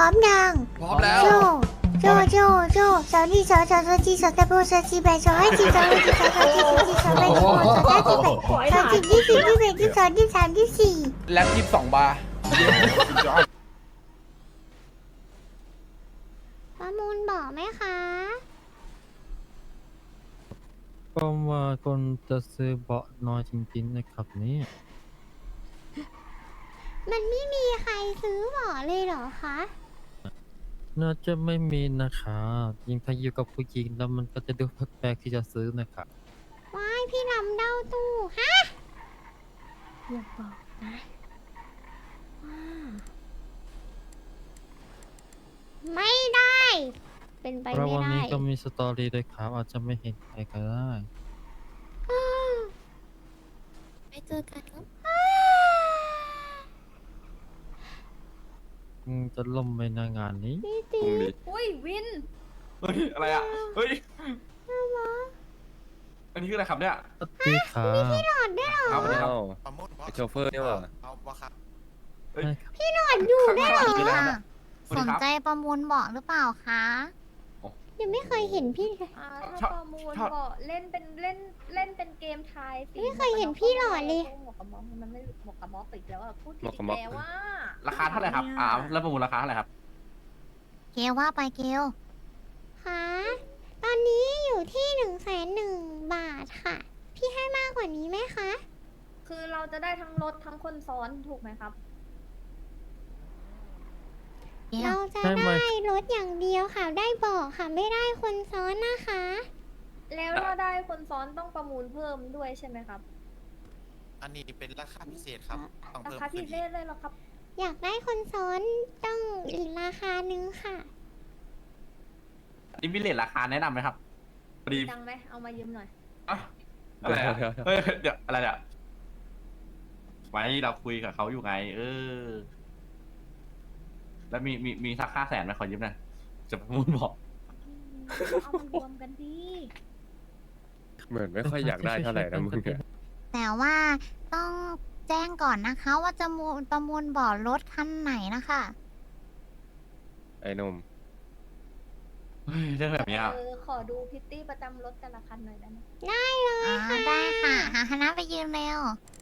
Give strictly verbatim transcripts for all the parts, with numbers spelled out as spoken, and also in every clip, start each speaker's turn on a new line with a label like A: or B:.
A: ร้อมยัง
B: พร้อมแล้ว
A: โจโจโจโจสาวนี่สาวสาวสาวจีสาวตะโบสาวจีแบสาวให้จีสาวให้จีสาวสาวจีสาวจีสาวแบสาวสาวจีแบสาวจีที่สี่ที่แบที่สองที่สามที่สี่
B: แล็บยี่สิบสองบาร์
A: ประมูลบอกไหมคะ
C: ก็ว่าคนจะซื้อเบาะน้อยจริงๆนะครับเนี่ย
A: มันไม่มีใครซื้อบอกเลยเหรอคะ
C: น่าจะไม่มีนะครับยิ่งถ้าอยู่กับผู้หญิงแล้วมันก็จะดูแปลกๆที่จะซื้อนะครับ
A: ว้ายพี่ลำเด้าตู้ฮะอย่าบอกนะว่าไม่ได้ เป็นไป
C: เพราะ
A: ไม่
C: วัน
A: ได้
C: นี้ก็มีสตอรี่ด้วยครับอาจจะไม่เห็นใครก็ได้
D: ไปเจอกันครับ
C: อืมจะล่มไปในงานนี้
A: พี่ตี
D: อุ้ยวิน
E: เฮ้ยอะไรอ่ะ เฮ้ย อันนี้คืออะไรครับเนี่ย
C: สวัสดีครับ
A: หลอดด้วยเหรอ
E: ครับสวัสดีครับ
F: ประมุด
G: ไอโชเฟอร์นี่หว่า
F: เอาวะครับ
E: เฮ้ย
C: ใช่ครับ
A: หลอดอยู่ด้วยเหรอ
E: คืออะไรครับ
D: สนใจประมูลเบาะหรือเปล่าคะ
A: ยังไม่เคยเห็นพี่เลย
H: อ่า
E: ชอ
H: ถ้า
E: บ
H: ประมูล
E: ชอบ
H: ก็เล่นเป็นเล่นเล่นเป็นเกมทายสิ
A: ไม่เคยเห็นพี่หล่อเลย
H: หมวกกับม็อกมันไม่หมวกกับม็อกอีกแล้วอะพูดผิ
G: หม
H: ด
G: วกกั
H: อี
G: บ
H: ก
G: ม็อก
H: แล้วว่า
E: ราคาเท่าไหร่ครับ อ่าแล้วประมูลราคาเท่าไหร่ครับ
D: เกลว่าไปเกล
A: คะตอนนี้อยู่ที่หนึ่งแสนหนึ่งบาทค่ะ พี่ให้มากกว่านี้ไหมคะ
H: คือเราจะได้ทั้งรถทั้งคนซ้อนถูกไหมครับ
D: เกล
A: เราจะได้รถอย่างเดียวค่ะ ได้เบอกค่ะ ไม่ได้คนซ้อนนะคะ
H: แล้วถ้าได้คนซ้อนต้องประมูลเพิ่มด้วยใช่ไหมครับ
F: อันนี้เป็นราคาพิเศษครับ ต้อง
H: รา
F: เพิ่ม
H: คาพิ
F: ขึ้น
H: เศษเลยเหรอครับ
A: อยากได้คนซ้อนต้องอีกราคานึงค่ะ
E: อินวิเลตราคาแนะนำไหมครับพอดี
H: ดังไหมเอามายืมหน่อย
E: อ่ะอะไรอ่ะเฮ้ย เดี๋ยวอะไรเนี่ยไว้เราคุยกับเขาอยู่ไง เออ แล้วมีมีมีสักค่าแสนไหมขอยืมหน่อยจะประมูลบอก
H: เอามารวมกันดี
G: เหมือนไม่ค่อยอยากได้เท่าไหร่นะมึงเนี่ย
D: แต่ว่าต้องแจ้งก่อนนะคะ ว่าจะมูลประมูลเบาะรถคันไหนนะคะ
G: ไอ้หนุ่ม
E: เฮ้ยเรื่องแบบเนี้ย
H: เออขอดูพิตตี้ประจำรถแต่ละคันหน่อยได้ไหม
A: ได้เลย
D: อ๋อ
A: ค่ะ
D: ได้ค่ะ หาคณะไปยืมเร็ว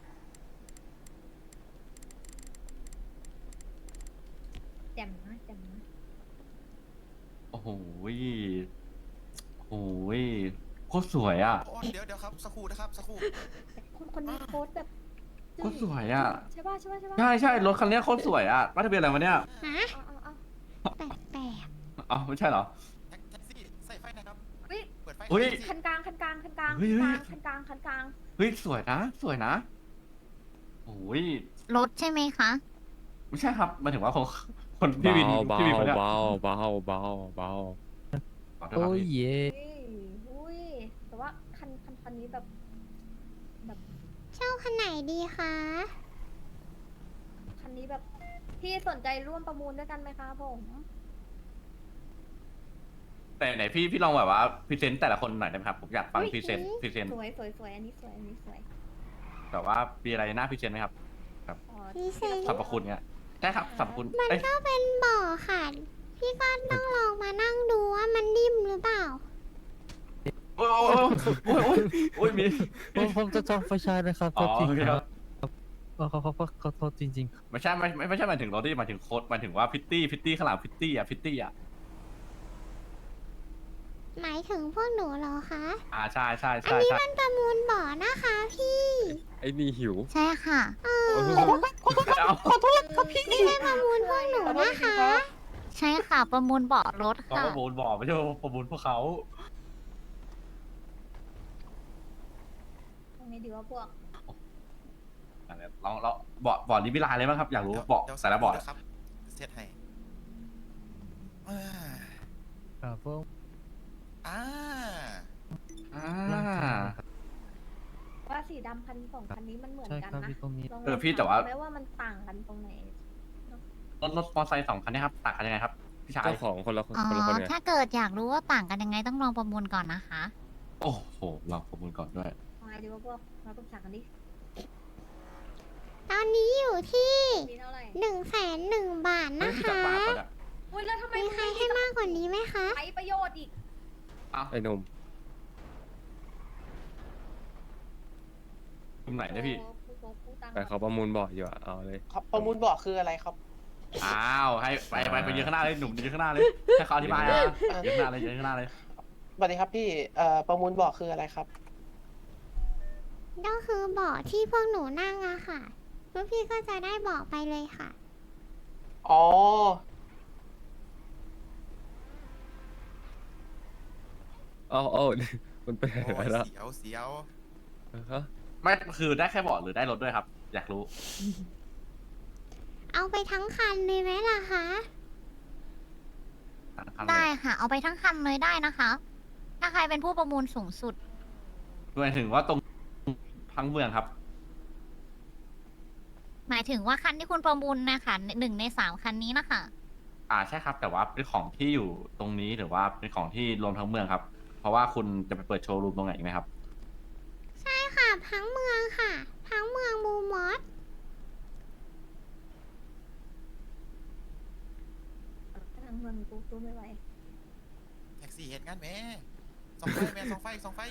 H: แจ่มนะแจ่มนะ
E: โอ้โหยโอ้โหยโคตรสวยอ่ะ
F: โอ้เดี๋ยวเดี๋ยวครับ สักครู่นะครับ สักครู่
H: แต่คนคนนี้โพสต์แบบ
E: โคตรสวยอ่ะ
H: ใช่ป่ะใช่ป่ะใช่ป่ะ
E: ใช่ใช่รถคันเนี้ยโคตรสวยอ่ะป้ายทะเบียนอะไรวะเนี่ย
A: ฮะ
H: เอาเอาเอา
A: แปลกแปลก
E: อ๋อไม่ใช่เหรอ
F: แท็กแท็กซี่ ใส่ไฟนะครับ
H: เฮ้ย
F: เปิดไฟ
E: เฮ้ย
F: แท็กซี่
H: คันกลางคันกลางคันกลาง
E: เฮ้ยเฮ้ย
H: คันกลางคันกลาง
E: เฮ้ยสวยนะ สวยนะโอ้ย
D: รถใช่ไหมคะ
E: ไม่ใช่ครับหมายถึงว่าคนคนพี่วิน
G: เบา
E: พี่วินคนเนี้ย
G: เบาเบาเบาเบา
E: ขอโทษค
C: โอ้
E: รับ
C: ย
E: พี่
C: เย่
H: เฮ้ยอุ้ยแต่ว่าคันคันคันนี้แบบแบบ
A: เช่าคันไหนดีคะ
H: คันนี้แบบพี่สนใจร่วมประมูลด้วยกันไหมคะผม
E: แต่ไหนพี่พี่ลองแบบว่าพรีเซนต์แต่ละคนหน่อยได้ไหมครับผมอยากฟัง
H: อุ๊ย
E: พรีเซนต์พรีเซนต์
H: สวยสวยสวยอันนี้สวยอันนี้สวย
E: แบบว่ามีอะไรน่าพรีเซนต์ไหมครับ
H: อ๋อ
A: พี่เซน
E: สรรพคุณเนี้ยใช่ครับสรรพคุณ
A: มัน
E: เอ้ย
A: ก็เป็นเบ่อค่ะ พี่ก็ต้องลองมานั่งดูว่ามันนิ่มหรือเปล่า
E: โอ้ยโอ้ยโอ้ยโอ้ยโอ้ยมี
C: ผมผมจะจองไฟฉายนะครับ
E: อ๋
C: โท
E: อ
C: ษที
E: โอเค
C: ค
E: ค
C: รั
E: รั
C: บบ ขอขอขอขอโทษจริงๆครับ
E: ไม่ใช่ไม่ไม่ไม่ใช่หมายถึงรถที่หมายถึงโค้ดหมายถึงว่าพิตตี้พิตตี้ข้างหลังพิตตี้อ่ะพิตตี้อ่ะ
A: หมายถึงพวกหนูเหรอคะ
E: อ่าใช่ใช่
A: อัน
E: ใช่
A: นี้
E: ใช่
A: มันประมูลบ่อนะคะพี่
G: ไอ้นี่หิว
D: ใช่ค่ะ
A: เออ
E: เอา
A: ไม่ได้ประมูลพวกหนูนะคะ
D: ใช่ค่ะ ประมูลเบาะรถ
E: เขา
D: ค่ะ
E: ประมูลบอกไม่ใช่ว่าประมูลพวกเขา
H: ตรงนี้ดีว่าพวก
E: อะไรลองเราบอร์ดบอร์ดนี้มีลายอะไรบ้างครับอยากรู้บอร์ด
F: เดี๋ยว
E: แต่ละบอร์ด
F: สักครู่นะครับเซตให้อ่า
C: ครับผม
F: อ่า
E: อ่า
H: ว่าสีดำคันสองคันนี้มันเหมือน
C: ใช่
H: กัน
C: ครับ
H: นะ
C: ที่ตรงนี้
H: ลอง
E: เออพี่แต่ว่า
H: ไม่ว่ามันต่างกันตรงไหน
E: รถรถมอเตอร์ไซค์สองคันเนี้ครับต่างกันยังไงครับพี่ชาย
G: เจ้าของคนละคน
D: อ๋อ
G: คนละคนไง
D: ถ้าเกิดอยากรู้ว่าต่างกันยังไงต้องลองประมูลก่อนนะคะ
E: โอ้โหเราประมูลก่อนด้วย
H: เอาไงดีว่าพวกเราต้องสั่งกันดิ
A: ตอนนี้อยู่ที่
H: มีเท่าไหร่
A: หนึ่งแสนหนึ่งบาท
E: เฮ้ย
A: นะ
E: พี่จับ
A: คะ
E: บาทก่อนอะ
H: อุ้
A: ากกว่านี้ไหมคะ
H: ใช้ประโยชน์อีก
G: ไอ้หนุ่ม
E: ตรงไหนนะพี่
H: โอ้โหโอ้โหพูดตังค์
G: แต่เขาประมูลบ่อยอยู่อะเอาเลย
B: ครับประมูลบอกคืออะไรครับ
E: อ้าวให้ไปไปไปยืนข้างหน้าเลยหนุ่มยืนข้างหน้าเลยให้เขาอธิบายนะยืนข้างหน้าเลยยืนข้างหน้าเลย
B: สวัสดีครับพี่เอ่อประมูลบอกคืออะไรครับ
A: ก็คือเบาะที่พวกหนูนั่งอะค่ะพวกพี่ก็จะได้เบาะไปเลยค่ะ
B: อ๋อ
G: เอาเอา มันเป็น
F: โอ้
G: อะไร
F: ย
G: แล้ว
F: เสียวเสียว
G: ฮะ
E: ไม่คือได้แค่เบาะหรือได้รถด้วยครับ อยากรู้
A: เอาไปทั้งคันเลยไหมล่ะคะ
D: ได้ค่ะ เอาไปทั้งคันเลยได้นะคะ ถ้าใครเป็นผู้ประมูลสูงสุด
E: หมายถึงว่าตรงทั้งเมืองครับ
D: หมายถึงว่าคันที่คุณประมูลนะคะหนึ่งในสามคันนี้นะคะ
E: อ่าใช่ครับ แต่ว่าเป็นของที่อยู่ตรงนี้หรือว่าเป็นของที่รวมทั้งเมืองครับ เพราะว่าคุณจะไปเปิดโชว์รูมตรงไหนอีกไหมครับ
A: ใช่ค่ะทั้งเมืองค่ะ ทั้งเมืองมูมอส
H: ทางเมืองกูกูไม่ไหว
F: แท็กซี่เหตุงานแม่สองไฟแม่สองไฟสองไฟ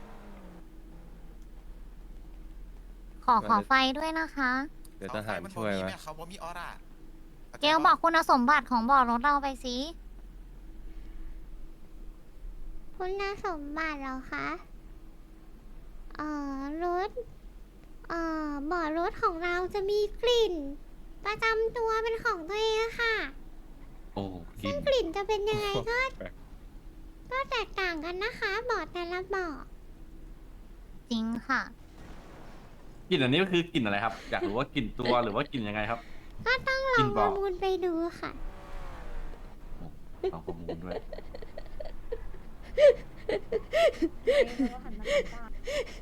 D: ขอขอไฟด้วยนะคะ
G: เดี๋ยวทหารช่วย
F: สองไฟ
G: ไหม
F: นบ่มีแเขาบ่มีออร่า
D: เกลบอกคุณสมบัติของบ่อรถเราไปสิ
A: คุณสมบัติเหรอคะเอ่อรถเอ่อเบาะรถของเราจะมีกลิ่น ประจำตัวเป็นของตัวเองอะค่ะ
E: โอ้กิ
A: ซึ่
E: น
A: งกลิ่นจะเป็นยังไงก็
G: แปลก
A: ก็แตกต่างกันนะคะเบาะแต่ละเบาะ
D: จริงค่ะ
E: กลิ่นอันนี้ก็คือกลิ่นอะไรครับ อยากรู้ว่ากลิ่นตัวหรือว่ากลิ่นยังไงครับ
A: ก็ต้องล
E: ก
A: อ
E: ลิ่
A: ง
E: น
A: ป
E: บอ
A: ระ
E: ก
A: มูลไปดูค่ะ
E: เอาข้อมูลด้วย
H: เอ๊ะแล้วก็หันมาทางบ้าน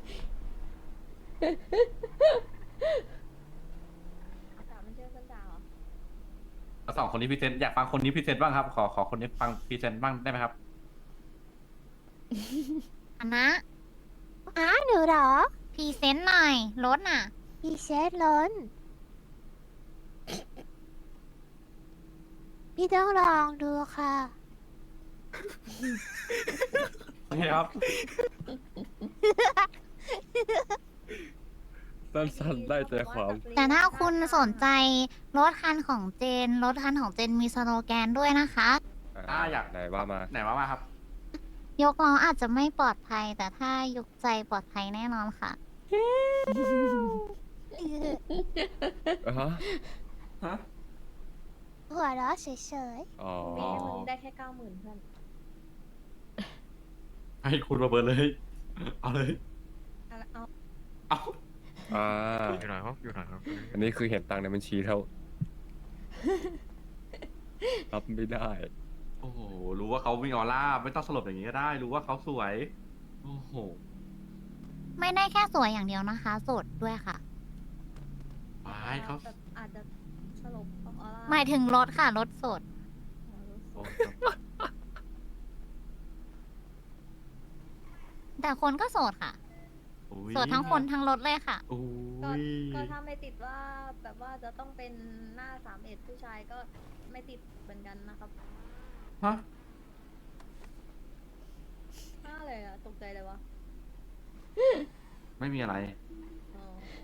H: อากาศมันเจอกันดาวเหรอ
E: แล้วสองคนนี้พรีเซนต์อยากฟังคนนี้พรีเซนต์บ้างครับ ขอขอคนนี้ฟังพรีเซนต์บ้างได้ไหมครับ
D: อันนะ
A: อ้าหนูเหรอ
D: พรีเซนต์หน่อย รถน่ะ
A: พี่เชฟล้นพี่ต้องลองดูค่ะ
E: นี่ครับ
G: สั้นๆได้ใจความ
D: แต่ถ้าคุณสนใจรถคันของเจน รถคันของเจนมีสโลแกนด้วยนะคะ
E: อ่าอยาก
G: ไหนว่ามา
E: ไหนว่ามาครับ
D: ยกล้ออาจจะไม่ปลอดภัย แต่ถ้ายกใจปลอดภัยแน่นอนค่ะ
G: ฮะ
E: ฮะ
A: หัวเราะเฉย
G: อ๋อ
H: มีให้มึงได้แค่เก้าหมื่นเพื่อน
E: ให้คุณมาเบิร์เลย เอาเลย
H: เอาละเอา
E: เอา
G: อ่า
C: อยู่ไหนครับอยู่ไหนครับ
G: อันนี้คือเห็นตังค์ในบัญชีเท่า รับไม่ได้
E: โอ้โห รู้ว่าเขามีออร่า ไม่ต้องสลบอย่างนี้ก็ได้ รู้ว่าเขาสวย โอ้โห
D: ไม่ได้แค่สวยอย่างเดียวนะคะ สดด้วยค่ะ
E: วายเขา
H: แบบอาจจะสลบเพราะออร่า
D: หมายถึงรถค่ะ รถสด
H: อ๋อรู้สึก
E: โอ้
D: แต่คนก็โสดค่ะ
E: อุ๊ย
D: โสดทั้งคนทั้งรถเลยค่ะ
E: โอ้
H: ก็
E: ย
H: ก็ถ้าไม่ติดว่าแบบว่าจะต้องเป็นหน้าสามเอ็ดผู้ชายก็ไม่ติดเหมือนกันนะครับ
E: ฮะ
H: หน้าเลยอะตกใจเลยวะ
E: ไม่มีอะไร
H: อ๋อ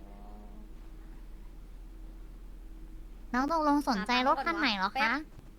D: น้องตกลงสนใจรถคันไหนเหรอ
H: แป๊
D: คะ
H: บ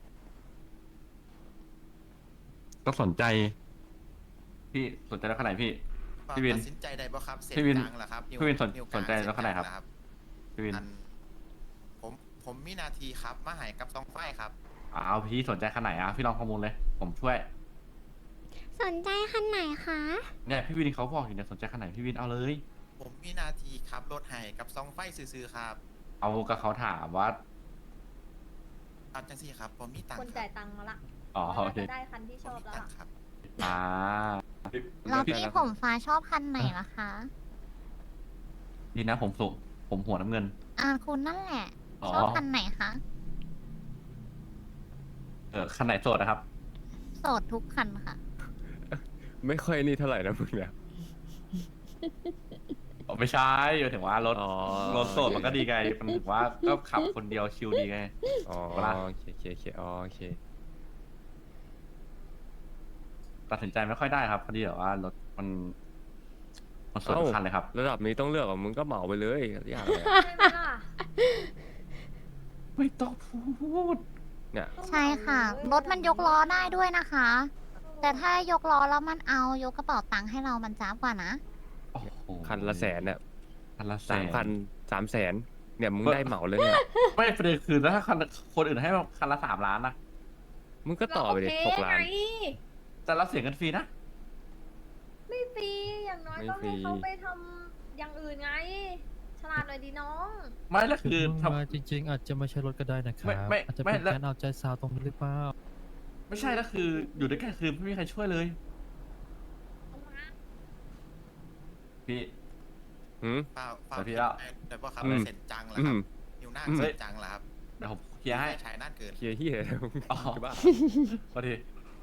E: ก็สนใจ พี่สนใจแล้วขนาดไหนพี่ พี่วิน
F: ตัดสินใจได้บ่ครับเสร็จ
E: พี่วิน
F: กลางเหรอครับว
E: พี่วินสน
F: วกลาง
E: สนใจแล้วขนาดไหนครับ
F: เส้กลงเหอ
E: พี่วิน
F: อันผมผมมีหนาทีครับ มาใหายกับสองไฟครับ
E: อ้าวพี่สนใจขนาดไหนอ่ะ พี่ลองข้อมูลเลย ผมช่วย
A: ๆ สนใจคันไหนคะ
E: เนี่ยพี่วินเขาบอกอยู่เนี่ยสนใจขนาดไหนพี่วินเอาเลย
F: ผมมีหนาทีครับรถใหายกับสองไฟซื้อๆครับ
E: เอากับเขาถามว่า
F: เอาจังสี่ครับ ผมมีตัง
H: คน
F: ค์ค
H: จ่า
F: รั
H: ย
F: บ
H: ตังค์มาละ
E: อ๋อ
H: น่า
E: โอเค
H: จะได้คันที่
F: ผ
H: ช
F: ม
H: อบ
F: มี
H: แล้ว
F: ตัง
H: ล่ะ
F: ค์ครับ
E: อ่า
D: แล้วพี่ผมฟ้าชอบคันไหนล่ะคะ
E: ดีนะผมสุผมหัวน้ำเงิน
D: อ่าคุณนั่นแหละ
E: อ๋อ
D: ชอบคันไหนคะ
E: เออคันไหนโสดนะครับ
D: โสดทุกคันค่ะ
G: ไม่ค่อยนี่เท่าไหร่นะมึงเนี่ย
E: อ๋อไม่ใช่หมายถึงว่ารถ
G: อ๋อ
E: รถโสดมันก็ดีไง มันถึงว่าก็ขับคนเดียวชิลดีไง
G: อ๋อ
E: เวลา
G: โอเคโอเคโอเคอ๋อโอเค
E: ตัดสินใจไม่ค่อยได้ครับพอดีแบบว่ารถมันมันสวยทุกคันเลยครับ
G: ระดับนี้ต้องเลือกอ่ะมึงก็เหมาไปเลยอย่างไรอะ
H: ใช่ไหมล่ะ
E: ไม่ต้องพูด
G: เนี่ย
D: ใช่ค่ะ รถมันยกล้อได้ด้วยนะคะ แต่ถ้ายกล้อแล้วมันเอายกกระเป๋าตังค์ให้เรามันจ้าบกว่านะ
E: โอ้โห
G: คันละแสนเนี่ย
E: คันละแส
G: สาม
E: น
G: คันสามแสนเนี่ยมึงได้เหมาเลยเนี่ย
E: ไม่ประเด็นคือถ้าคันคนอื่นให้คันละสามล้านนะ
G: มึงก็ต่อไปดิ
H: เร
G: ห
H: โอก เค
G: ล้าน
H: ไง
E: แต่เราเสียเงินฟรีนะ
H: ไม่ฟรีอย่างน้อย
G: ไม่
H: ก็
G: ฟรี
H: ให้เขาไปทำอย่างอื่นไง ฉลาดหน่อยดีน้อง
E: ไม่แล้วคือ
C: มึง
E: ทำ
C: มาจริง ๆ อาจจะไม่ใช่รถก็ได้นะครั
E: ไม่
C: บ
E: ไม่
C: อาจจะ
E: ไม่
C: เป็น
E: แล้ว
C: การเอาใจสาวตรงนี้หรือเปล่า
E: ไม่ใช่แล้วคืออยู่ด้วยกันคือไม่มีใครช่วยเลย พี่
G: หืม
F: เปล่าเปล่า
E: เดี๋ยวพี่เล่า
F: แต่ว่าครับ
G: อืม
F: เสร็จจังเหรอ
G: อื
F: ครับ
G: ม
F: นิวหน้า
G: อืม
F: เสร็จจังเหรอครับ
E: เดี๋ยวผมเคลียร์ให้
F: ชายน่านเกิน
G: เคลียร์เฮีย
E: อ๋อ
G: จะบ้า
E: พอดี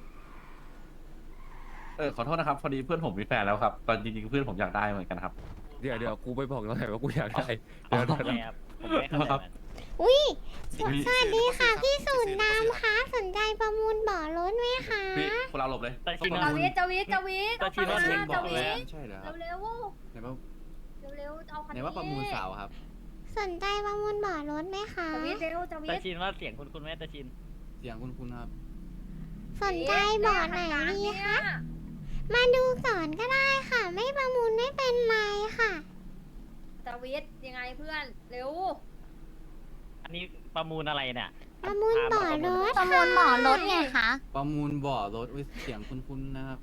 E: เออขอโทษนะครับ พอดีเพื่อนผมมีแฟนแล้วครับ ตอนจริงๆเพื่อนผมอยากได้เหมือนกันครับ
G: เดี๋ยวเดี๋ยวกูไปบอกแล้วไงว่ากูอยากได้
E: อ๋อ
G: เดี๋ยวเดี๋ยวเดี๋ยว
I: ผมไม่เข้าใจมัน
A: อุ้ย
F: สิ
A: สวัสดีค่ะ พี่สูน
F: สิ
A: ดำคะสนใจประมูลบ่อรถไหมคะ
E: พี่คนเราหลบเลย
I: แต่จริง
E: ต้อง
H: จา
E: ประมูล
H: วิทจาวิทจาวิท
I: ก็คิดว่า
H: เอ
I: เสียง
H: มา
I: บอก
H: จา
I: เล
H: วิ
I: ย
H: ท
J: ใช่แล้ว
H: เร็ว
J: ไหนว่า
H: ๆเร็วๆเอาคัน
J: ไหน
H: นี้
J: ว่าประมูลสาวครับ
A: สนใจประมูลบ่อรถไหมคะ
H: จาวิทเร็วจาวิ
I: แต่
H: ท
I: ชินว่าเสียงคุณคุณแม่แต่ชิน
J: เสียงคุณคุณครับ
A: สนใจบ่อไหนดีคะ มาดูก่อนก็ได้ค่ะ ไม่ประมูลไม่เป็นไรค่ะ
H: จาวิทยังไงเพื่อนเร็ว
I: อันนี้ประมูลอะไรเนี่ย
A: ประมูลบ่อรถ
D: ประมูลบ่อรถไงคะ
J: ประมูลบ่อรถอุ๊ยเสียงคุณคุณนะครับ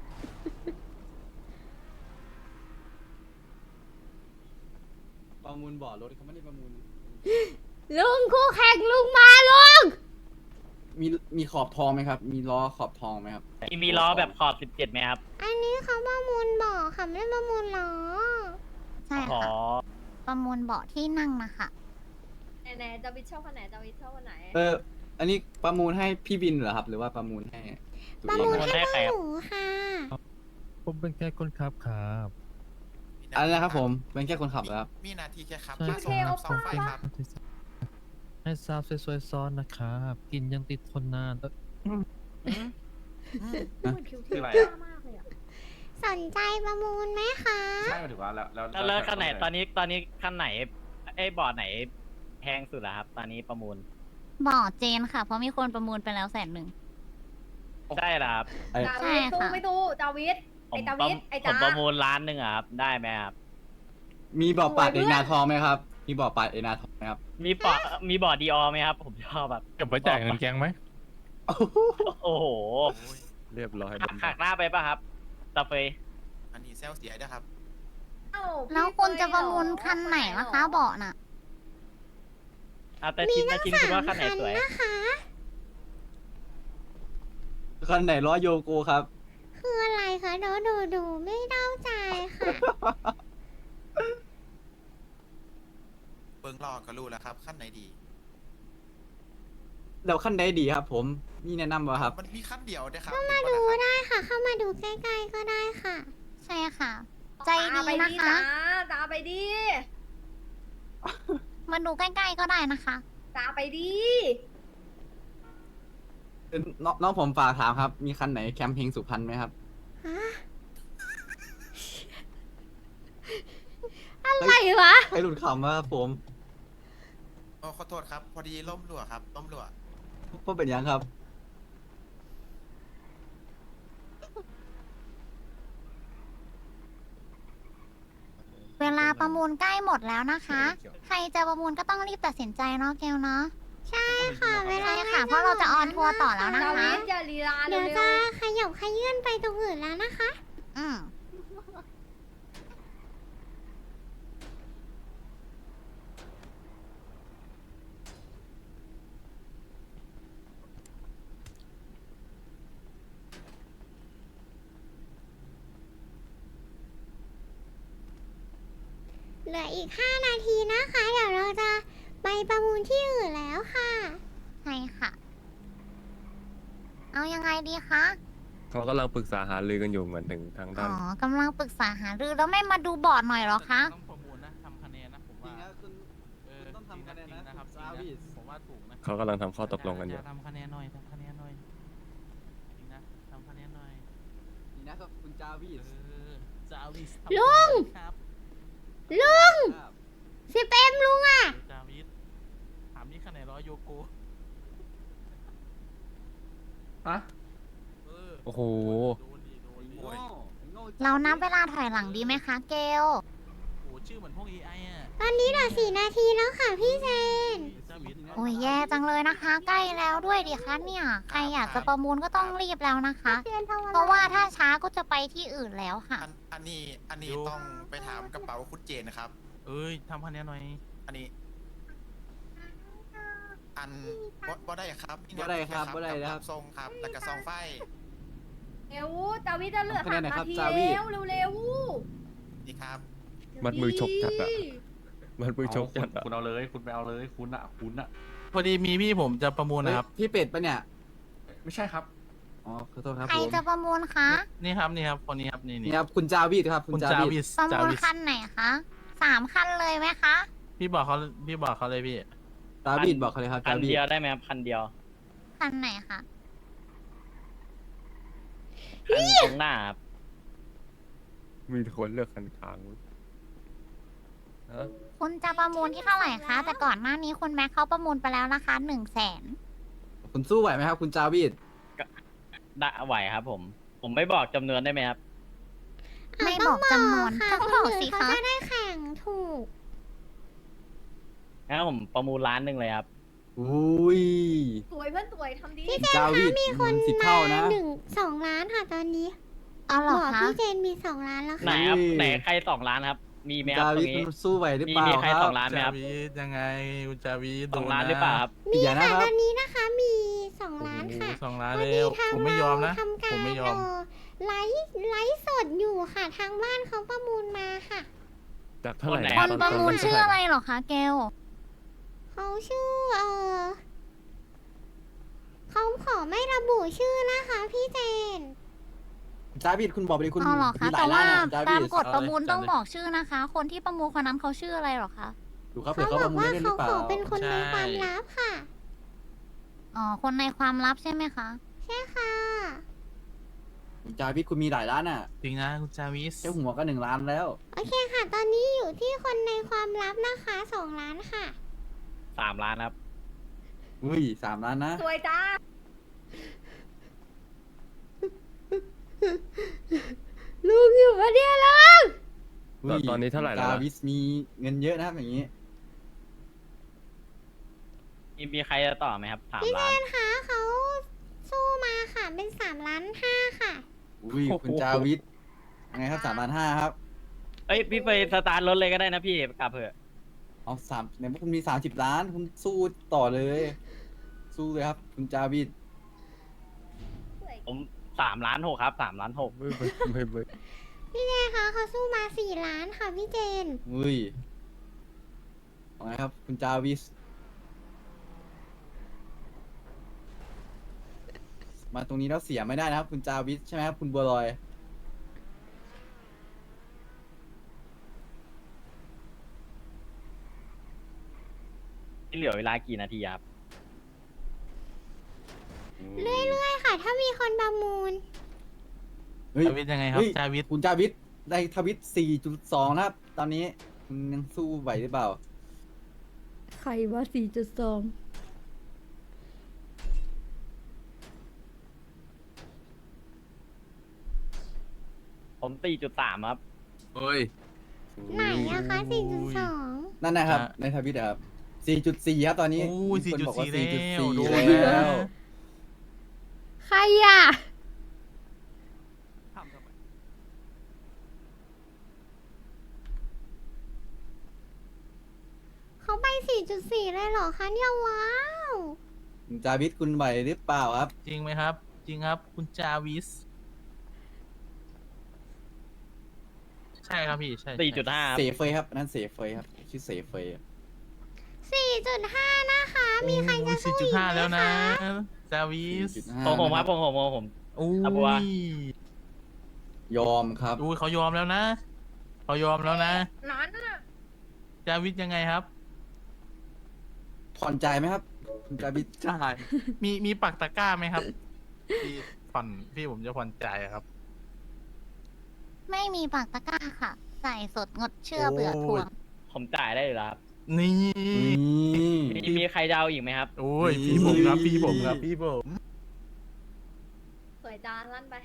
J: ประมูลบ่อรถเขาไม่ได้ประมูล
A: ลุงคู่แข่งลุงมาลุง
J: มีมีขอบทองไหมครับ มีล้อขอบทองไหมครับ
I: มีมีล้อแบบขอบสิบเจ็ดไหมครับ
A: อันนี้เขาประมูลบ่อค่ะไม่ได้ประมูลล้อ
D: ใช่
I: อ๋อ
D: ค่ะ ประมูลเบาะที่นั่งนะคะ
H: ไหนๆจาวิทชอบคนไหนจาวิทชอบคนไหน
J: เออ อันนี้ประมูลให้พี่บินเหรอครับ หรือว่าประมูลให้ตัว
A: ประ
J: เอง
A: มูล
J: ครับ
A: ให้พวกหนูค่ะ
C: ผมเป็นแค่คนขับครับ
J: อะไรนะครับผม เป็นแค่คนขับเหรอครับ
F: มีหนาทีแค่ครับ
C: ใช่
F: มาส่งครับสองไฟครับ
C: ให้สาวสวยๆซ้อนนะครับ กินยังติดทนนานเอ้ย
H: เหมือนคิว
E: คือ
H: เท
E: อะไร
H: ม
E: อะ
H: มากเลยอะ
A: สนใจประมูลไหมคะ
E: ใช่หมายถึงว่าแล้วแล้ว
I: แล้วแล้วคันไหนตอนนี้ตอนนี้คันไหนไอ้บอร์ดไหนแพงสุดอะครับ ตอนนี้ประมูล
D: บ่อเจนค่ะ เพราะมีคนประมูลไปแล้วแสนหนึ่ง
I: ได้เหรอครับ
J: ไอ้
H: จา
D: ใช่
H: วิทตู้
D: ค่ะ
H: ไม่ตู้จาวิท
I: ผ
H: ไอ้
I: ม
H: จา
I: ประ
H: วิทไอ้
I: ผ
H: จ้าม
I: ประมูลล้านหนึ่งอะครับ ได้ไหมครับ
J: มีบ่อปัด
H: สวย
J: เอ
H: เพื่อน
J: นาทองไหมครับ มีบ่อปัดเอนาทองไหมครับ
I: มีบอร์ดมีบอร์ดดีออไหมครับ ผมชอบแบบ
C: เก็บไว้จ่ายเงินแกงไหม
I: โอ้โห
G: เรียบร้อย
I: หักหักหน้าไปป่ะครับตาเฟย
F: อันนี้เซลเสียด้วยครับ
H: เอ้า
D: แล้วคุณจะประมูลคันไหนนะคะ เบาะน่ะ
I: อ่ะแต่ชินแต่ชินคุณว่าคันไหนสวย
A: นะคะ
J: คันไหนล้อโยโกครับ
A: คืออะไรคะดูดูดูไม่เด้าใจค่ะ
F: เบิ้งรอก็รู้แล้วครับขั้นไหนดี
J: เดี๋ยวขั้นใดดีครับ ผม มีแนะนำบ่ครับ
F: มันมีขั้นเดียวนะครับ
A: มาดูได้ค่ะ เข้ามาดูใกล้ๆก็ได้ค่ะ
D: ใช่ค่ะ ใจ
H: ตา
D: ดี
H: ไป
D: นะ
H: ดี
D: คะ
H: จ้าตาไปดี
D: มาดูใกล้ๆก็ได้นะคะ
H: ตาไปดี
J: เอ่อน้องน้องผมฝากถามครับ มีคันไหนแคมเพลงสุพรรณไหมครับ
A: ฮะ อะไรวะ
J: ใครหลุดคำว่าครับผม
F: โอ้ขอโทษครับ พอดีล่มรั่วครับล่มรั่ว
J: เพราะเป็นยังครับ
D: เวลาประมูลใกล้หมดแล้วนะคะ ใครจะประมูลก็ต้องรีบตัดสินใจเนาะเกลเนาะ
A: ใช่ค่ะเวลา
D: ใช่ค่ะ เพราะเราจะออนทัวร์ต่อแล้วนะ
H: จา
D: คะ
H: วิทอย่าลีลาเร็
A: เดี๋ยว
H: ว
A: จะขยับขยื่นไปตรงอื่นแล้วนะคะ
D: อืม
A: เหลืออีกห้านาทีนะคะ เดี๋ยวเราจะไปประมูลที่อื่นแล้วค่ะ
D: ใช่ค่ะ เอายังไงดีคะ
G: เขากำลังปรึกษาหารือกันอยู่เหมือนถึงทาง
D: อ๋
G: ด้าน
D: อกำลังปรึกษาหารือแล้วไม่มาดูบอร์ดหน่อยเหรอคะ
J: ต้องประมูลนะทำคะแนนนะผมว่าต้องทำคะแนนนะครับซาวิสผมว่าถูกนะ
G: เขากำลังทำข้อตกลงกันอยู่
J: ทำคะแนนหน่อยทำคะแนนหน่อยจริงนะทำคะแนนหน่อยนี่นะครับคุณจาวิสจาวิส
A: ลุง
J: ครับ
A: ลุงสิบเอ็มลุงอ่ะ
J: จาวิสถามนี่คะแนนร้อยโยโก
E: ฮะ
J: เออ
G: โอ้โห
J: โดนดิโดนดิโง่โง่
D: เรานับเวลาถอยหลังดีไหมคะเกล
J: โอ้ชื่อเหมือนพวก เอ ไอ อ่ะ
A: ตอนนี้เหลือสี่นาทีแล้วค่ะพี่เจน
J: จาวิส
D: โอ้ยแย่จังเลยนะคะ ใกล้แล้วด้วยดิคะเนี่ย ใครอยากจะประมูลก็ต้องรีบแล้วนะคะ เพราะว่าถ้าช้าก็จะไปที่อื่นแล้วค่ะ
F: อันอันนี้อันนี้ต้องไปถามกระเป๋าคุณเจนนะครับ
J: เอ้ยทำคะแนนหน่อย
F: อันนี้ อันบ่บ่ได้ครับ
J: บ่ได้ครับบ่ได้ครับ
F: ทรงครับ แล้วก็ซองไฟ
H: เร็วจาวิจะเหลือ
J: ทำคะแน
H: สาน ม
J: หน่อยครั
H: นา
J: บ
H: ที
J: จาวิ
H: เร็วเร็วเร็ว
F: นี่ครับ
G: มัดมือฉกจัดอะ มันมือชกจัด
E: เอา
G: อะ
E: คุณคุณเอาเลย คุณไปเอาเลย คุณอะคุณอะ
J: พอดีมีพี่ผมจะประมูลนะครับ
K: พี่เป็ดปะเนี่ย
E: ไม่ใช่ครับ
K: อ๋อ ขอโทษครับ
D: ใคร
K: ผม
D: จะประมูลคะ
J: นี่ครับนี่ครับคนนี้ครับนี่
K: นี่
J: นี่
K: ครับ คุณจาวิดครับ คุ
J: คุณ ณ
K: จา
J: จา
K: วิ
J: วิ
K: ด
J: ส
D: ประ
J: จา
D: มูล
J: วิส
D: คันไหนคะสามคันเลยไหมคะ
J: พี่บอกเขาพี่บอกเขาเลยพี่
K: จาวิดบอกเขาเลยครับ
I: คั
K: จาน วิด
I: เดียวได้ไหมครับคันเดียว
D: คันไหนคะ
I: คันตรงหน้าครับ
G: มีคนเลือกคันค้างฮะ
D: คุณจะประมูลที่เท่าไหร่คะ แต่ก่อนหน้านี้คุณแม็กเขาประมูลไปแล้วนะคะหนึ่งแสน
K: คุณสู้ไหวไหมครับ คุณจาวิด
I: ได้ไหวครับผม ผมไม่บอกจำนวนได้ไหมครับ
D: ไม่บอกจำนวน
A: ค่ะ
D: ต้อง
A: คน
D: บอก
A: อื่
D: สิ
A: นเขา
D: คะ
A: จะได้แข่งถูก
I: งั้นผมประมูลล้านหนึ่งเลยครับ
K: อุ้ย
H: สวยเพื่อนสวยทำดี
A: พี่เจน
K: จาวิ
A: คะ
K: ด
A: มีคน
K: สิบ
A: มา
K: เท่านะ
A: หนึ่งสองล้านค่ะตอนนี้
D: เอาเหร
A: บ
D: อ
A: อก
D: คะ
A: พี่เจนมีสองล้านแล้ว
I: ไหน
A: ค่ะ
I: ครับ
K: อุ้ย
I: ไหนใครสองล้านครับ มีไหมครับ
K: จา
I: ตร
K: วิด
I: งนี้
K: สู้ไหวหรือ
I: มี
K: เปล่า
I: มีใคร
K: ค
I: ส
K: รั
I: อบ งล้านไหมครับ
J: จาวิสยังไงคุณจาวิส
I: สองล้านหรือเปล่าครับ
A: มี
K: อย่านะ
A: ค่ะ
K: ครับ
A: ตอนนี้นะคะมีสอง
J: โอ้
A: ล้าน
J: โห
A: ค่ะ
J: สองล้าน
A: พอ
J: แล้
A: ดี
J: ว
A: ทาง
J: ผมไม่ยอมนะ
A: เราทำการ
J: ผมไม่ยอม
A: เไลฟ์ไลฟ์สดอยู่ค่ะ ทางบ้านเขาประมูลมาค่ะ
G: จากเท่าไหร่
I: คนไหน
G: นะ
D: คน
G: ตอ
D: ประมูล
G: ตน
D: ชื่ออะไรเหรอคะเกล
A: เขาชื่อเออเขาขอไม่ระบุชื่อนะคะพี่เจน
K: จาวิดคุณบอกไปเลยคุณ
D: เอาเหรอคะ
K: มีหลา
D: แต่
K: ยล้า
D: ว่าน
K: นะจา
D: ตา
K: วิ
D: ม
K: ด
D: กฎประมูล
J: เอาเลย
D: ต้อง
J: จัดเลย
D: บอกชื่อนะคะ คนที่ประมูลคนนั้นเขาชื่ออะไรเหรอคะ
K: ดูครับ
A: เขา
K: เผื่อเขา
A: บ
K: ป
A: อ
K: ระ
A: ก
K: มูล
A: ว่า
K: ได้หรื
A: เขา
K: อเป
A: ข
K: ล่า
A: อเป็นคนใน
J: ใช่
A: ความลับค่ะ
D: อ๋อ คนในความลับใช่ไหมคะ
A: ใช่ค่ะ
K: คุณจาวิดคุณมีหลายล้านอ่ะ
J: จริงนะคุณจาวิส
K: แค่หัวก็หนึ่งล้านแล้ว
A: โอเคค่ะ ตอนนี้อยู่ที่คนในความลับนะคะสองล้านค่ะ
I: สามล้านครับ
K: อุ้ยสามล้านนะ
H: สวยจ้า
A: ลูกอยู่ปะเนี่ยลูก
G: ตอนตอนนี้เท่าไหร่แล้ว
K: จา
G: นะ
K: วิสมีเงินเยอะนะครับอย่างนี้
I: มีมีใครจะต่อไหมครับสาม
A: พี่เจ
I: ล้าน
A: นคะเขาสู้มาค่ะเป็นสามล้านห้าค่ะ
K: อุ้ยคุณจาวิสยังไงครับสามล้านห้าครับ
I: เอ้ยพี่ไปสตาร์ทรถเลยก็ได้นะพี่กลับเถอะ
K: เอาสามในเมื่อคุณมีสามสิบล้าน คุณสู้ต่อเลย สู้เลยครับ คุณจาวิด
H: สวย
I: ผมสามล้านหกครับสามล้านหก
G: ไม่ไม่ไม่ไม่
A: พี่เจนคะเขาสู้มาสี่ล้านค่ะพี่เจน
K: อุ้ยว่าไงครับ คุณจาวิส มาตรงนี้แล้วเสียไม่ได้นะครับ คุณจาวิสใช่ไหมครับ คุณบัวลอย
I: ที่เหลือเวลากี่นาทีครับ
A: เรื่อยๆค่ะ ถ้ามีคนประมูล
K: เฮ้ย
J: จาวิสยังไงครับ
K: เฮ้ย
J: จาวิส
K: คุณจาวิสได้ทวิต สี่จุดสอง นะครับ ตอนนี้คุณยังสู้ไหวหรือเปล่า
A: ใครว่าสี่จุดสอง
I: ผมสี่จุดสามครับ
J: เฮ้ย
A: ไหนอะคะสี่จุดสอง
K: นั่นนะครับ
J: ฮะ
K: ในทวิตอะครับ สี่จุดสี่ ครับตอนนี้
J: โอ้ย
K: มีคนบอกว่า
J: สี่จุดสี่
K: สี่
J: แล้วโด
K: จุด
J: น
K: สี่
J: แล้
K: แล้ว ว
A: ใครอ่ะ เขาไป สี่จุดสี่ เลยเหรอคะเนี่ยว้าว
K: คุณจาวิสคุณไหวหรือเปล่าครับ
J: จริงไหมครับ จริงครับ คุณจาวิส ใช่ครับพี่ใช่
I: สี่จุดห้า
K: เสเฟยครับอันนั้นเสเฟยครับชื่อเสเฟย
A: สี่จุดห้า นะคะ มีใครจะ
J: สี่
A: สู้
J: จุ
A: อี
J: ด
A: ก
J: ห้า
A: ไหม
J: แล้วนะ
A: คะ
J: จาวิส
I: ของผมครับของผมของผม
J: โอ้
I: อ่ะบัว
J: ย
K: ยอมครับ
J: อุ้ยเขายอมแล้วนะเขายอมแล้วนะ
H: นั้นน่ะ
J: จาวิสยังไงครับ
K: ผ่อนใจายไหมครับ คุณจาวิส
J: ใช่ มีมีปักตะกร้าไหมครับพี่ผ่อนพี่ผมจะผ่อนจ่ายอะครับ
D: ไม่มีปากตะกร้าค่ะ ใส่สดงดเชื่อเบื่อทวง
I: ผมจ่ายได้อยู่แล้วครับ
J: นี่
I: มีมีใครจะเอาอีกไหมครับ
J: โอ้ยพี่ผมครับพี่ผมครับพี่ผม
H: สวยจานลั่นไป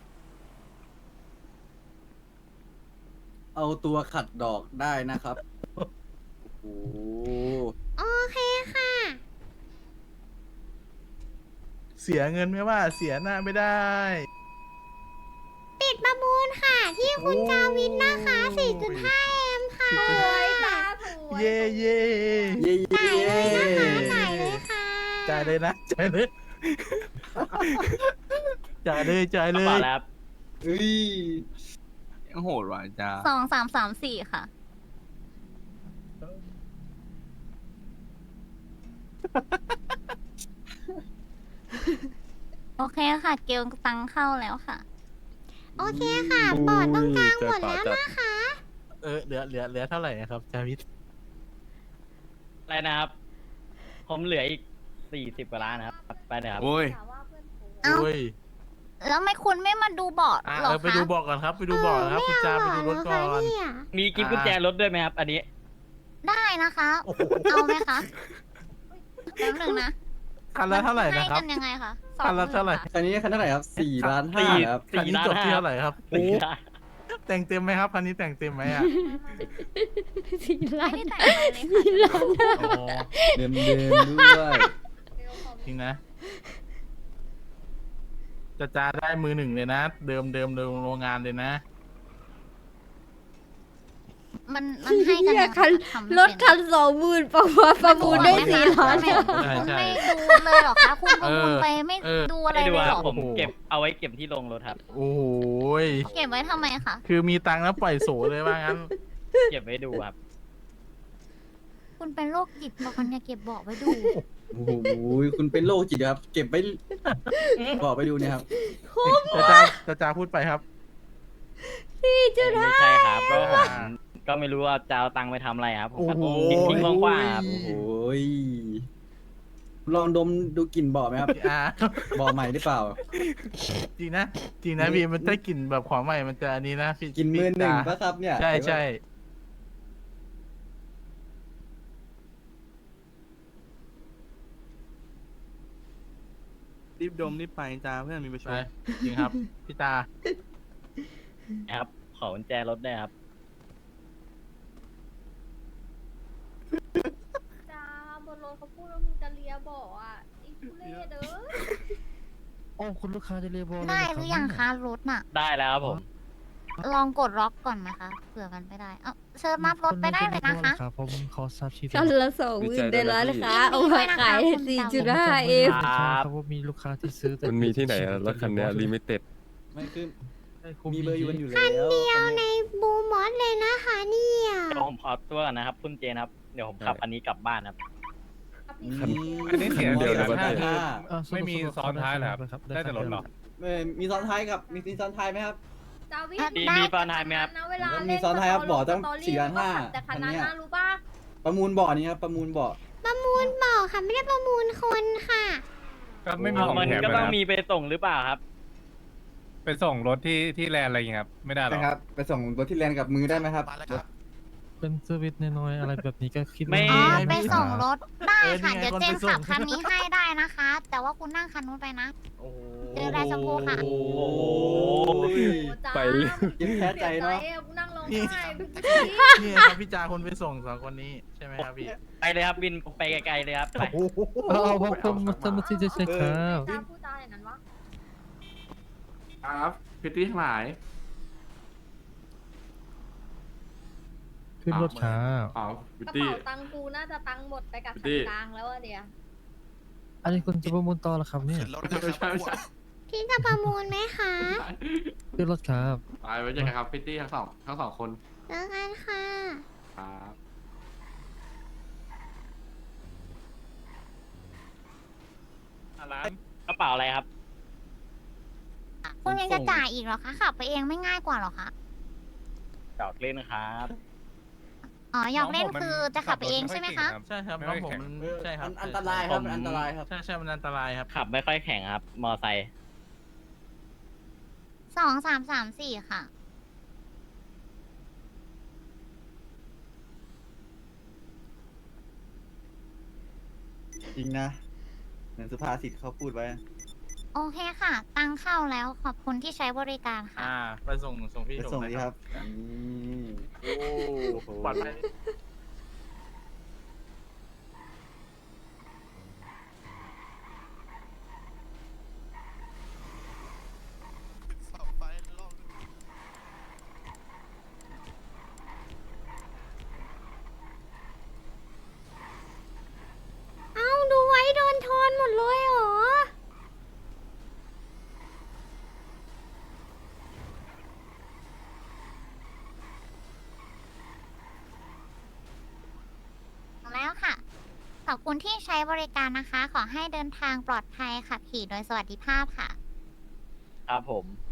K: เอาตัวขัดดอกได้นะครับ โอ้โห
A: โอเคค่ะ
J: เสียเงินไม่ว่าเสียหน้าไม่ได้
A: ปิดประมูลค่ะ ที่คุณจาวินนะคะ สี่จุดห้า เอ็ม ค่ะ
H: สวยตาสวย
J: เย่เย่
K: เย้
A: จ่ายเลยนะคะจ่าย
K: เย้
A: เลยค่ะ
J: จ่ายเลยนะจ่ายเลยจ่ายเลยจ่าย
I: ก
J: เล
I: ระเป๋าย แล้วครับ
K: เฮ้ย
E: ยังโหดว่ะจ้า
D: สองสามสามสี่ค่ะ โอเคค่ะ เกลตังเข้าแล้วค่ะ
A: โอเคค่ะ บอร์ดตรงกลางหมดแล้วนะคะ
J: เออเหลือเหลือเหลือเท่าไหร่นะครับจาวิท
I: อะไรนะครับ ผมเหลืออีกสี่สิบกว่าล้านนะครับ ไปเลยครับ
E: โอ้ย
H: แต่ว่าเพื่อนฝูง
D: เอ้า
J: โอ้ย
D: แล้วไม่คุณไม่มาดูบอร์ด
J: อ่ะ
D: หรอ
J: เออไป
D: คะ
J: ดูบอกก่อนครับ ไปดูบอกก่อนครับคุณจาไปดูรถก่อน
A: เนี่ย
I: มีกิฟต์กุญแจรถด้วยไหมครับ อันนี้
D: ได้นะคะ เอาไหมคะแป๊บหนึ่งนะ
J: คันละเท่าไหร่
D: ให้
J: นะครับ
D: กันยังไงคะสอง
J: คันละ
D: หมื่
J: เท่าไหร่
D: ค่ะ
K: คันนี้คันเท่าไหร่ครับสี่ล้านห้า
I: สี่
K: ครับ
J: คันนี้จบที่เท่าไหร่ครับ
I: สี่
J: โอ้
I: ล้าน
J: แต่งเต็มไหมครับคันนี้แต่งเต็มไหมอ่ะ
A: สี่ล้าน
D: ไม่ได้แต่งอะไรเลยค่ะ
J: อ๋อ
K: เดิมเดิมๆด้วย
J: จริงนะจะจาได้มือหนึ่งเลยนะ เดิมเดิมเดิมโรงงานเลยนะ
D: มันมันให้กันยังไงคะทำไม่
A: รถ
D: เป็น
A: คันสองหมื่นประมาณประมูลได้สี่ล้าน
D: ไม่
J: ใช่
D: คุณ
J: ใช่
D: ไม่ดูเลยเหรอคะ คุณประมูลไปไม่
J: เออ
D: ดูอะไร
I: ไม่ดู
D: เลย
I: ค
D: เห
I: รั
D: ร
I: บ
D: อ
I: ผมเก็บเอาไว้เก็บที่โรงรถครับ
J: โอ้โหย
D: เก็บไว้ทำไมคะ
J: คือมีตังค์แล้วปล่อยโสเลยว่างั้น
I: เก็บไว้ดูครับ
D: คุณเป็นโรคจิตบอกมันอย่าเก็บบอกไว้ดู
K: โอ้โหคุณเป็นโรคจิตครับ เก็บไปบอกไปดูเนี่ยครับ
J: จะจาจะจาพูดไปครับ
A: สี่จุด
I: ไม่
A: ห้า
I: ใช่ครับ ก็ผมก็ไม่รู้ว่าจะเอาตังค์ไปทำอะไรครับ ผมก็
J: โอ้โห
I: ทิ้งทิ้งกว้างๆครับ
K: โอ้ยลองดมดูกลิ่นเบาะไหมครับ
J: อ่า
K: เบาะใหม่หรือเปล่า
J: จริงนะ จริงนะพี่มันถ้ากลิ่นแบบของใหม่มันจะอันนี้นะพี่
K: กินมือหนึ่ง
J: พี่
K: ปะครับเนี่ย
J: ใช่ใช่
E: รีบดมรีบไปจ้าเพื่อนมีประชุ
J: ไป
E: ม
J: จริงครับพี่ตา
I: ครับ ขอกุญแจรถได้วยครับ
H: จ้าบนรถเขาพูดว่ามึงจะเลียบ่ออ่ะอีทุเล่เด้อ
C: โอ้คุณลูกค้าจะเรียกบอล
D: ได้หรือยังคะรถน่ะ
I: ได้แล้วครับผม
D: ลองกดล็อกก่อนนะคะเผื่อมันไม่ได้ เอ้าเชิญนับรถไปได้เลยนะคะ
C: ครับผมขอทราบชื่อ
A: คันละสองหมื่นได้แล้วนะคะ
D: ดีใจ
A: เอา
D: ด้วย
A: มา
D: นะคะ
A: ขาย
D: คุณ
A: สี่
D: ดำ
A: จุดห้า เอ็ม
C: ใช่ครับว่ามีลูกค้าที่ซื้อแต่
G: มันมีที่ไหนอะรถคันเนี้ลิมิเต็ด
K: ไม่คือ
C: ใช่
K: มีเบอร์อยู่กันอยู่แล้ว
A: คันเดียวในบูมอสเลยนะคะเนี่ย
I: เดี๋ยวผมขอตัวก่อนนะครับ คุณเจนครับ เดี๋ยวผมขับอันนี้กลับบ้านครับ
H: ครับพี่
G: คัน
K: อันนี้เสีย
G: เดียวในประเทศ
C: อ่าไม่มีซ้อนท้ายเหรอครับได้แต่รถหรอ
K: มีซ้อนท้ายกับมีมีซ้อนท้ายไหมครับ
H: จาวิ
D: อ่ะ
H: น
I: มี
D: ได้
I: มีตอนไหนไหมครับ
H: นะเวลา
K: แล้วมี
H: เล่น
K: ซ้อนท้ายครับบ่อต้อง
H: สตรี่
K: สี่ล้านห้า
H: ก็ขับแต่คันนั้น
K: อันเนี้ย
H: นะรู้ป่ะ
K: ประมูลบ่อนี้ครับประมูลบ่อ
A: ประมูลบอกค่ะ ไม่ได้ประมูลคนค่ะ
J: ก็ไม่มี
I: เอา
J: ของ
I: มัน
J: แถม
I: ก็
J: เลย
I: ต้อง
J: นะ
I: มีไปส่งหรือเปล่าครับ
J: ไปส่งรถที่ที่แลนด์อะไรอย่างเงี้ยครับไม่ได้หรอ
K: นะครับ ไปส่งรถที่แลนด์กับมือได้ไหมครับ
F: มาแล้วครับ
C: เป็นเซอร์วิสน้อยๆอะไรแบบนี้ก็คิด
I: ไม่
C: ว่า
D: อ๋อ
C: ม่
D: ไป
C: มี
D: ส่งรถได้
J: เออนี่
D: ค่ะ
J: ไง
D: เดี๋ยว
J: คน
D: เจ
J: ไป
D: น
J: ส่ง
D: ขับคันนี้ให้ได้นะคะ แต่ว่าคุณนั่งคันนู้นไปนะ
J: โอ้โห
D: เจอได้สักครู่ค่ะ
J: โอ้โห
H: โอ้จ้า
G: ไปเรื่อย
K: ยิ้มแพ้ใจเนอะ
H: สียกูนั่งร้อง
J: นี่
H: ไห้
J: นี่ครับพี่จาคนไปส่งสองคนนี้ใช่ไหมครับพี่
I: ไปเลยครับบินไปไกลๆเลยครับ ไป
C: เอาเอาผมผมทำมาที่จะใช่ครับ
H: จ้าพูดจาอย่างนั้นวะ
E: ครับพิตตี้ทั้งหลาย
C: ขึ้นรถครับ
E: อ๋อพิ
H: ก
E: ต
H: ระ
E: ตี้
H: เป๋าตังค์กูน่าจะตังค์หมดไปกับ
E: พี่
H: คันกลางแล้วอะเดียว
C: อันนี้คุณจะประมูลต่อเหรอครับเนี่ย
F: ขึ้นรถนะครับ
E: ไม่ใช่ไม่ใช่
A: พี่จะประมูลไหมคะ
C: ขึ้นรถครับ
E: ไปไว้เจอกันครับพิตตี้ทั้งสองทั้งสองคน
A: เจอกันค่ะ
E: ครับ
I: กระเป๋าอะไรครับ
D: คุณยังจะจ่ายอีกเหรอคะขับไปเองไม่ง่ายกว่าเหรอคะ
I: จอดเล่นนะครับ
D: อ๋ออยากเล่นคือจะขับไปเองใช่ไหมคะ
J: ใช่ครับน้องผมมันใช่ครับ
K: มันอันตรายครับมันอันตรายครับ
J: ใช่ใช่มันอันตรายครับ
I: ขับไม่ค่อยแข็งครับ มอไซค์
D: สองสามสามสี่ค่ะ
K: จริงนะเหมือนสุภาษิตเขาพูดไว้
D: โอเคค่ะ ตังเข้าแล้วขอบคุณที่ใช้บริการค่ะ
J: อ่า ไปส่งส่งพี่
K: ไป
J: ชม
K: ส่ง
J: นะ
K: ดี
J: ค
K: ค
J: รั
K: รับ บนี่
J: โอ้ปลอดภัย
F: เสาไฟรอบนึง
A: เอ้าดูไว้โดนทอนหมดเลยเหรอ
D: แล้วค่ะ ขอบคุณที่ใช้บริการนะคะ ขอให้เดินทางปลอดภัยขับขี่โดยสวัสดิภาพค่ะ
I: ครับผม
D: ค